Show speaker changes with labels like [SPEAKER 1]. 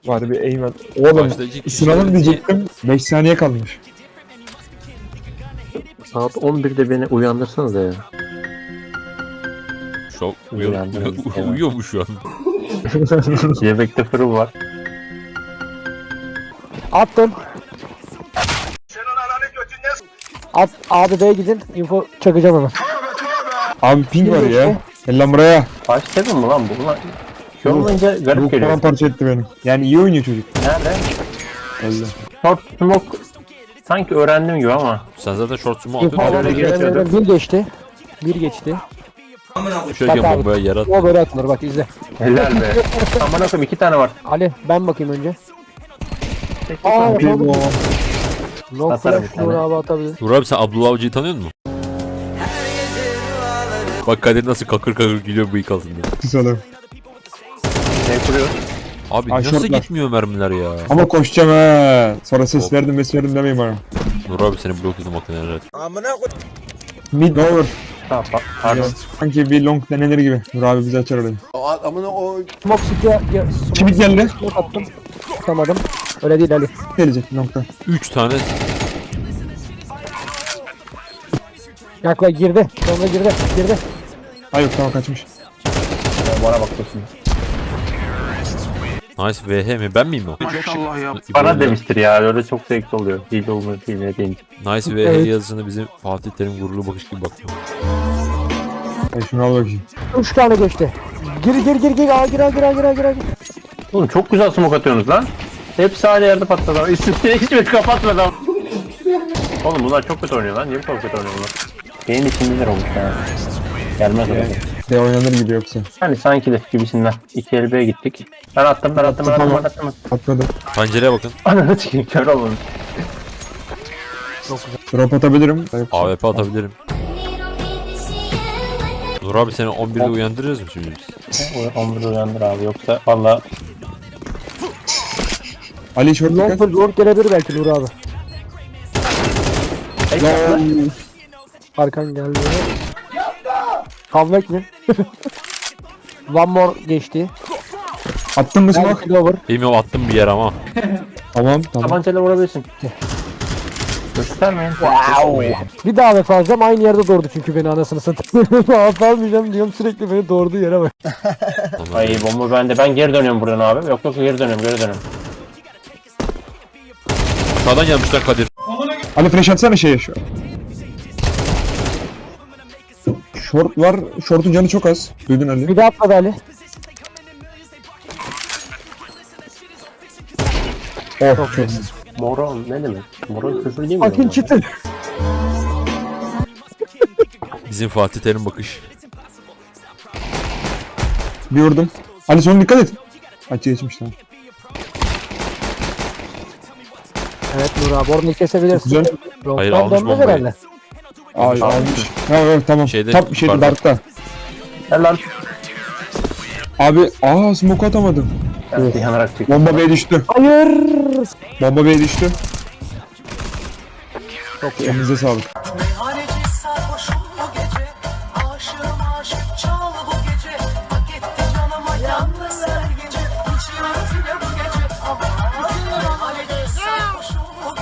[SPEAKER 1] Var bir aim var. Oğlum ısınalım diyecektim. 5 saniye kalmış.
[SPEAKER 2] Saat 11'de beni uyandırsanız ya.
[SPEAKER 3] Şok
[SPEAKER 2] Uyandım.
[SPEAKER 3] uyuyor mu şu an?
[SPEAKER 2] Yemekte fırın var.
[SPEAKER 4] Attım. At abi B'ye gidin. Info çakacağım hemen.
[SPEAKER 1] Abi ping var ya.
[SPEAKER 4] geçti?
[SPEAKER 1] Gel lan buraya.
[SPEAKER 2] Kaç seven mi lan bu lan? Şu olunca
[SPEAKER 1] Bu
[SPEAKER 2] garip geliyor.
[SPEAKER 1] paramparça etti beni. Yani iyi oynuyor çocuk.
[SPEAKER 2] Nerede?
[SPEAKER 1] Öyle.
[SPEAKER 2] Short smoke sanki öğrendim gibi ama.
[SPEAKER 3] Sen zaten short sumo
[SPEAKER 4] Info
[SPEAKER 3] atıyorsun.
[SPEAKER 2] öyle geçiyordu.
[SPEAKER 4] bir geçti. Bir geçti.
[SPEAKER 3] Şöyle
[SPEAKER 4] Bak abi.
[SPEAKER 3] bombaya yarat.
[SPEAKER 4] O böyle atılır bak izle.
[SPEAKER 2] Helal be. Aman akım 2 tane var.
[SPEAKER 4] Ali ben bakayım önce.
[SPEAKER 2] Tek
[SPEAKER 4] Aa,
[SPEAKER 2] bir
[SPEAKER 4] tamam.
[SPEAKER 1] Bu
[SPEAKER 4] No
[SPEAKER 2] Atarım
[SPEAKER 4] flash
[SPEAKER 2] bir tane.
[SPEAKER 4] Nur abi atabilir.
[SPEAKER 3] Nur abi sen Abdullah Avcı'yı tanıyor musun? Bak Kadir nasıl kakır kakır gülüyor bıyık altında.
[SPEAKER 1] kısalım.
[SPEAKER 2] şey kuruyor.
[SPEAKER 3] Abi
[SPEAKER 1] Ay,
[SPEAKER 3] nasıl
[SPEAKER 1] şortlar.
[SPEAKER 3] gitmiyor mermiler ya?
[SPEAKER 1] Ama koşacağım he. Sonra ses verdim demeyin bana.
[SPEAKER 3] Nur abi seni blokladım hakikaten herhalde.
[SPEAKER 1] Mid over.
[SPEAKER 2] Tamam pardon.
[SPEAKER 1] Sanki bir long denenir gibi. Dur abi bizi açar orayı.
[SPEAKER 4] Smoke city'ye
[SPEAKER 1] Kimi geldi?
[SPEAKER 4] smoke attım. Tutamadım. Öyle değil Ali.
[SPEAKER 1] Gelecek long'dan.
[SPEAKER 3] 3 tane
[SPEAKER 4] Yakla girdi. Sonra girdi. Girdi.
[SPEAKER 1] Hayır tamam kaçmış.
[SPEAKER 2] Bana bakıyorsun.
[SPEAKER 3] nice VH mi? Ben miyim o?
[SPEAKER 2] Bana demiştir ya öyle çok zevkli oluyor. Hile olmadı hile değil.
[SPEAKER 3] Nice VH
[SPEAKER 4] Evet.
[SPEAKER 3] yazısını bizim Fatih Terim gururlu bakış gibi bakıyor.
[SPEAKER 1] Şunu al bakayım.
[SPEAKER 4] 3 tane geçti. Gir. Aa, gir.
[SPEAKER 2] Oğlum çok güzel smoke atıyorsunuz lan. Hepsi aynı yerde patladı. Üstüne hiçbir kapatmadan. Oğlum bunlar çok kötü oynuyor lan. Niye bu kadar kötü oynuyor bunlar? Benim içimdeler olmuş ya. Gelmez oraya.
[SPEAKER 1] De oynanır gibi yoksa.
[SPEAKER 2] Hani sanki de gibisinden. 2 elbeye gittik. Ben attım.
[SPEAKER 1] Atmadı.
[SPEAKER 3] Pencereye bakın.
[SPEAKER 2] Ananı çıkayım kör olmamış.
[SPEAKER 1] Drop atabilirim.
[SPEAKER 3] AWP atabilirim. Nur abi seni 11'de uyandırırız mı şimdi biz?
[SPEAKER 2] Omuru uyandır abi yoksa valla
[SPEAKER 1] Ali short
[SPEAKER 4] Long
[SPEAKER 1] dikkat.
[SPEAKER 4] long gelebilir belki Nur abi. Arkan geldi. Comeback mi? One more geçti.
[SPEAKER 1] Attın mı smoke?
[SPEAKER 4] Belki over.
[SPEAKER 3] Bilmiyorum attım bir yer ama.
[SPEAKER 1] Tamam.
[SPEAKER 2] tabancayla vurabilirsin. Göstermeyin.
[SPEAKER 4] Bir daha vefa alacağım. Aynı yerde doğurdu çünkü beni anasını satayım. Vefa almayacağım diyorum sürekli beni doğurduğu yere bak.
[SPEAKER 2] Ay bomba bende. Ben geri dönüyorum buradan abi. Yok geri dönüyorum.
[SPEAKER 3] Sağdan gelmişler Kadir.
[SPEAKER 1] Ali flash atsana şeye şu. Short var. Short'un canı çok az. Duydun Ali.
[SPEAKER 4] Bir daha atladı Ali.
[SPEAKER 1] Oh çok iyi.
[SPEAKER 2] Moron ne demek? Moron küfür değil mi?
[SPEAKER 4] Akin çıtır.
[SPEAKER 3] Bizim Fatih Terim bakış.
[SPEAKER 1] Bir vurdum. Ali sonra dikkat et. Açı geçmiş tamam.
[SPEAKER 4] Evet Nur abi orayı kesebilirsin.
[SPEAKER 1] Güzel.
[SPEAKER 3] Hayır,
[SPEAKER 4] Long'dan
[SPEAKER 3] almış
[SPEAKER 4] dönmez
[SPEAKER 3] bombayı.
[SPEAKER 4] herhalde.
[SPEAKER 1] Ay almış. Ha evet tamam.
[SPEAKER 3] Şeyde,
[SPEAKER 1] Tam şeyde
[SPEAKER 3] yukarıda.
[SPEAKER 1] darkta.
[SPEAKER 2] Helal.
[SPEAKER 1] Abi smoke atamadım.
[SPEAKER 2] Ben yanarak çıktım.
[SPEAKER 1] Bomba B'ye düştü.
[SPEAKER 4] Hayır.
[SPEAKER 1] Bomba B'ye düştü. Çok elinize sağlık.